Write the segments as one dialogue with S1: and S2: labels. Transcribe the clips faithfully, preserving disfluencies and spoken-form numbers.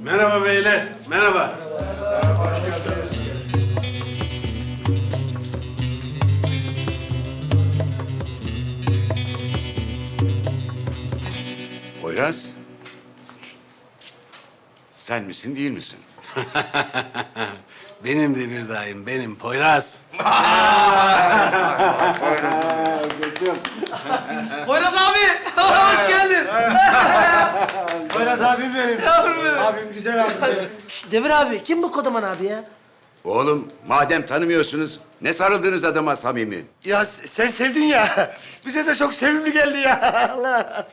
S1: Merhaba beyler, merhaba.
S2: Poyraz. Sen misin değil misin?
S1: Benim de bir daim, benim Poyraz.
S3: Poyraz abi, hoş geldin.
S4: Poyraz abim benim.
S3: Yavrum benim.
S4: Abim güzel abim benim.
S3: Devir abi, kim bu kodaman abi ya?
S2: Oğlum madem tanımıyorsunuz ne sarıldığınız adama samimi?
S4: Ya s- sen sevdin ya. Bize de çok sevimli geldi ya. Allah.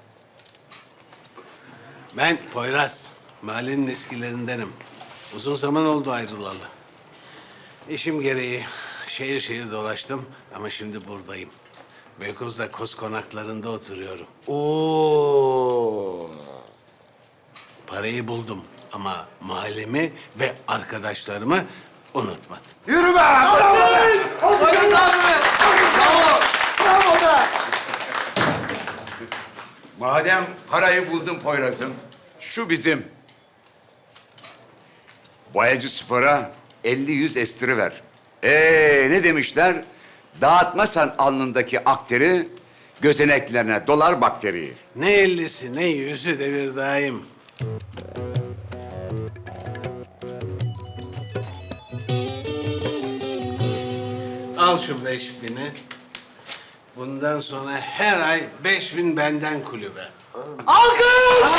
S1: Ben Poyraz, mahallenin eskilerindenim. Uzun zaman oldu ayrılalı. İşim gereği şehir şehir dolaştım ama şimdi buradayım. Beykoz'da Koz konaklarında oturuyorum.
S4: Oo.
S1: Parayı buldum ama mahallemi ve arkadaşlarımı unutmadım.
S4: Yürü be! Bravo be!
S3: Poyraz abi. Bravo.
S4: Bravo be!
S2: Madem parayı buldun Poyraz'ım, şu bizim. Boyacı Spor'a elli yüz estiri ver. Ee ne demişler? Dağıtmasan alnındaki akteri, gözeneklerine dolar bakteriyi.
S1: Ne ellisi ne yüzü devir daim. Al şu beş bini. Bundan sonra her ay beş bin benden kulübe.
S3: Alkış.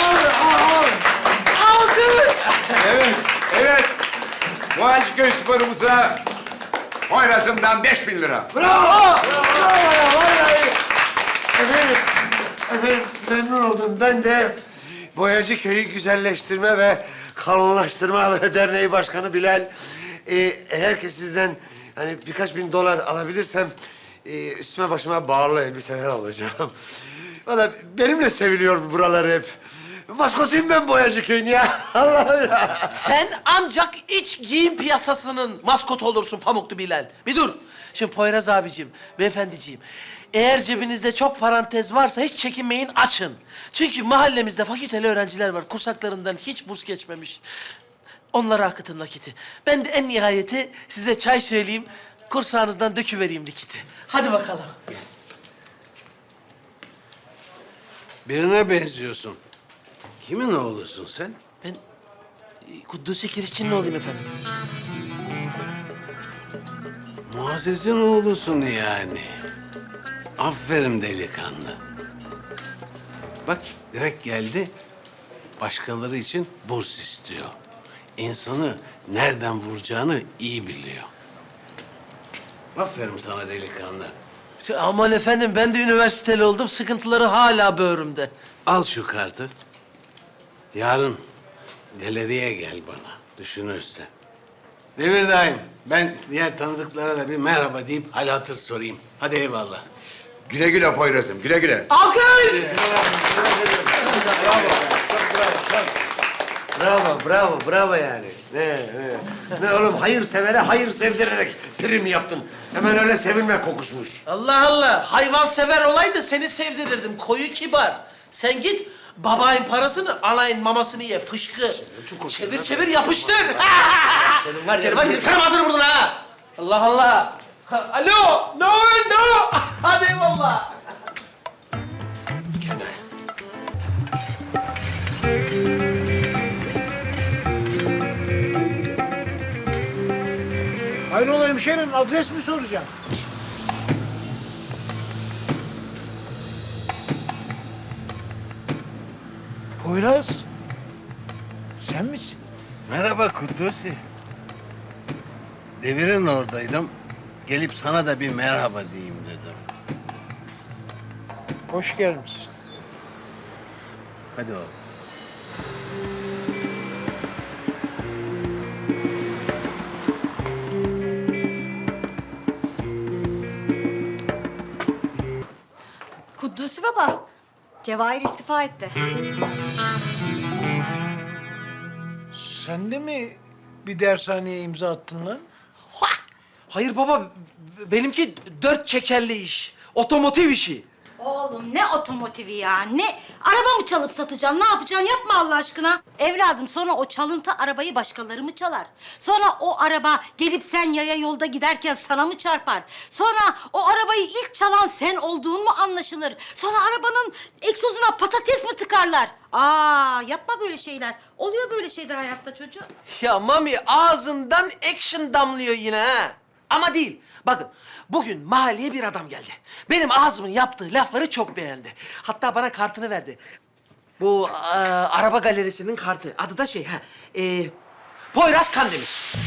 S3: Alkış.
S2: Evet, evet. Boğaziçiköy Spor'umuza Poyraz'ımdan beş bin lira.
S4: Bravo! Bravo ya vallahi. Efendim, efendim memnun oldum. Ben de Boyacı Köyü Güzelleştirme ve Kalınlaştırma Derneği Başkanı Bilal. Ee, eğer ki sizden hani birkaç bin dolar alabilirsem e, üstüme başıma bağlı elbiseler alacağım. Vallahi benimle seviliyor buralar hep. Maskotuyum ben Boyacı Köyü'nün ya. Allah'ım ya.
S3: Sen ancak iç giyim piyasasının maskotu olursun Pamuklu Bilal. Bir dur. Şimdi Poyraz abicim, beyefendiciğim. Eğer cebinizde çok parantez varsa hiç çekinmeyin, açın. Çünkü mahallemizde fakülteli öğrenciler var. Kursaklarından hiç burs geçmemiş. Onlara akıtın nakiti. Ben de en nihayeti size çay söyleyeyim. Kursağınızdan döküvereyim likiti. Hadi bakalım.
S1: Birine benziyorsun. Kimin oğlusun sen?
S3: Ben e, Kudüs'ü Kirişçi'nin olayım efendim.
S1: Muazzez'in oğlusun yani. Aferin delikanlı. Bak direkt geldi. Başkaları için burs istiyor. İnsanı nereden vuracağını iyi biliyor. Aferin sana delikanlı.
S3: Aman efendim, ben de üniversiteli oldum. Sıkıntıları hala böğrümde.
S1: Al şu kartı. Yarın galeriye gel bana düşünürsen. Devir daim. Ben diğer tanıdıklara da bir merhaba deyip hal hatır sorayım. Hadi eyvallah.
S2: Güle güle Poyraz'ım, güle güle.
S3: Alkış!
S4: Bravo, bravo, bravo yani. Ne, ne, ne oğlum hayır severe hayır sevdirerek prim yaptın. Hemen öyle sevilme kokuşmuş.
S3: Allah Allah! Hayvan sever olaydı seni sevdirirdim. Koyu kibar. Sen git babayın parasını, anayın mamasını ye. Fışkı. Çevir çevir yapıştır.
S4: Senin var ya-
S3: Senin var yırtarım ağzını buradan ha. Allah Allah. Ha, alo. No no. Hadi eyvallah.
S5: Hayrola hemşerim, adres mi soracağım? Poyraz, sen misin?
S1: Merhaba Kudusi. Devir'in oradaydım. Gelip sana da bir merhaba diyeyim dedim.
S5: Hoş gelmişsin.
S1: Hadi oğlum.
S6: Kuddusi baba, Cevahir istifa etti.
S5: Sen de mi bir dershaneye imza attın lan?
S3: Hayır baba, benimki dört çekerli iş. Otomotiv işi.
S7: Oğlum ne otomotivi ya? Ne? Araba mı çalıp satacaksın? Ne yapacaksın? Yapma Allah aşkına. Evladım sonra o çalıntı arabayı başkaları mı çalar? Sonra o araba gelip sen yaya yolda giderken sana mı çarpar? Sonra o arabayı ilk çalan sen olduğun mu anlaşılır? Sonra arabanın egzozuna patates mi tıkarlar? Aa yapma böyle şeyler. Oluyor böyle şeyler hayatta çocuğum.
S3: Ya Mami ağzından action damlıyor yine ha. Ama değil. Bakın bugün mahalleye bir adam geldi. Benim ağzımın yaptığı lafları çok beğendi. Hatta bana kartını verdi. Bu e, araba galerisinin kartı. Adı da şey ha. E, Poyraz Kandemir.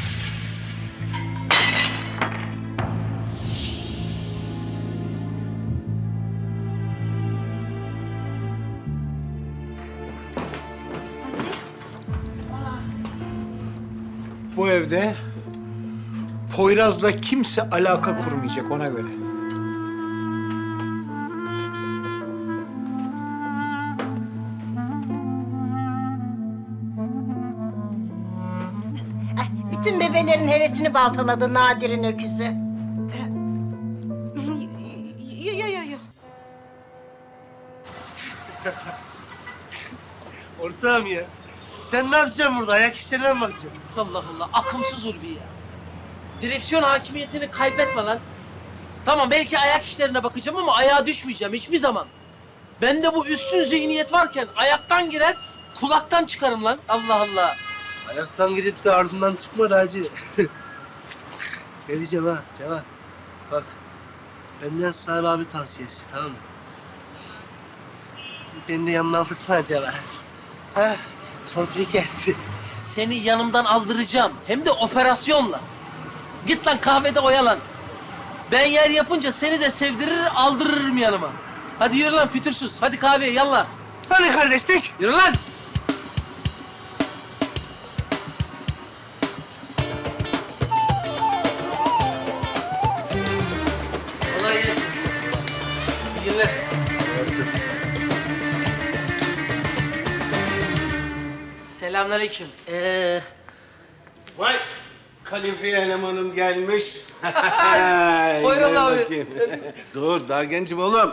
S5: Bu evde Poyraz'la kimse alaka kurmayacak ona göre.
S7: Ay, bütün bebelerin hevesini baltaladı Nadir'in öküzü. Yo yo yo yo.
S4: Ortağım ya. Sen ne yapacaksın burada? Ayak işlerine mi bakacaksın?
S3: Allah Allah akımsız Ulvi ya. Direksiyon hakimiyetini kaybetme lan. Tamam belki ayak işlerine bakacağım ama ayağa düşmeyeceğim hiçbir zaman. Bende bu üstün zihniyet varken ayaktan girer, kulaktan çıkarım lan. Allah Allah.
S4: Ayaktan girip de ardından çıkmadı hacı. Ne diyeceğim ha Ceva? Bak, benden Sahibi abi tavsiyesi, tamam mı? Beni de yanına alsana Ceva. Ha, torpili kesti.
S3: Seni yanımdan aldıracağım. Hem de operasyonla. Git lan kahvede oyalan. Ben yer yapınca seni de sevdirir, aldırırım yanıma. Hadi yürü lan fütursuz. Hadi kahveye yallah.
S4: Hani kardeşlik?
S3: Yürü lan. Kolay gelsin. İyi günler. Selamünaleyküm. Ee,
S1: Vay! Kalifiye elemanım gelmiş.
S3: Poyraz
S1: Gel
S3: abi.
S1: bakayım. Dur, daha gencim oğlum.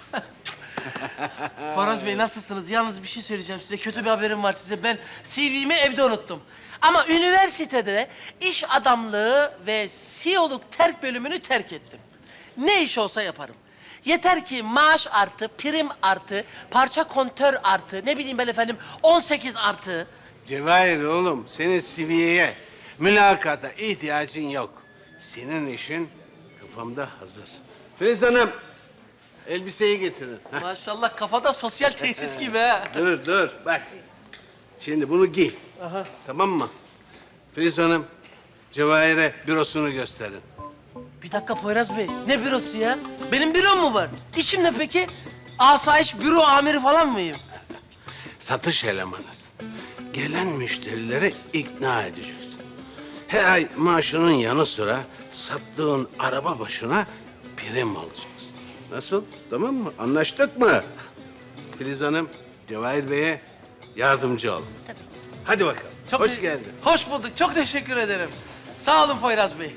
S3: Poyraz Bey nasılsınız? Yalnız bir şey söyleyeceğim size. Kötü bir haberim var size. Ben C V'mi evde unuttum. Ama üniversitede iş adamlığı ve C E O'luk terk bölümünü terk ettim. Ne iş olsa yaparım. Yeter ki maaş artı, prim artı, parça kontör artı, ne bileyim ben efendim on sekiz artı.
S1: Cevahir oğlum, senin C V'ye, mülakata ihtiyacın yok. Senin işin kafamda hazır. Filiz Hanım, elbiseyi getirin. Heh,
S3: Maşallah kafada sosyal tesis gibi ha.
S1: dur, dur, bak. Şimdi bunu giy. Tamam mı? Filiz Hanım, Cevahir'e bürosunu gösterin.
S3: Bir dakika Poyraz Bey, ne bürosu ya? Benim bürom mu var? İçim ne peki? Asayiş büro amiri falan mıyım?
S1: Satış elemanısın. Gelen müşterileri ikna edeceksin. Her ay maaşının yanı sıra sattığın araba başına prim alacaksın. Nasıl? Tamam mı? Anlaştık mı? Filiz Hanım, Cevahir Bey'e yardımcı olun.
S6: Tabii.
S1: Hadi bakalım.
S3: Çok
S1: Hoş
S3: te-
S1: geldin.
S3: Hoş bulduk. Çok teşekkür ederim. Sağ olun Poyraz Bey.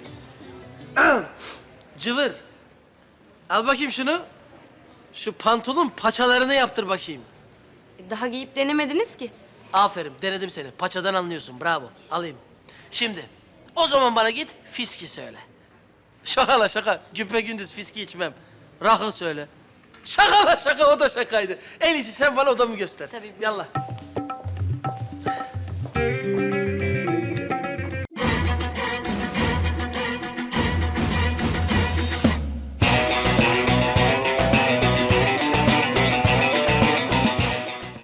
S3: Cıvır. Al bakayım şunu. Şu pantolon paçalarını yaptır bakayım.
S6: Daha giyip denemediniz ki.
S3: Aferin, denedim seni. Paçadan anlıyorsun. Bravo. Alayım. Şimdi, o zaman bana git fiski söyle. Şaka la şaka. Güpe gündüz fiski içmem. Rakı söyle. Şaka la şaka, o da şakaydı. En iyisi sen bana odamı göster.
S6: Tabii.
S3: Yallah.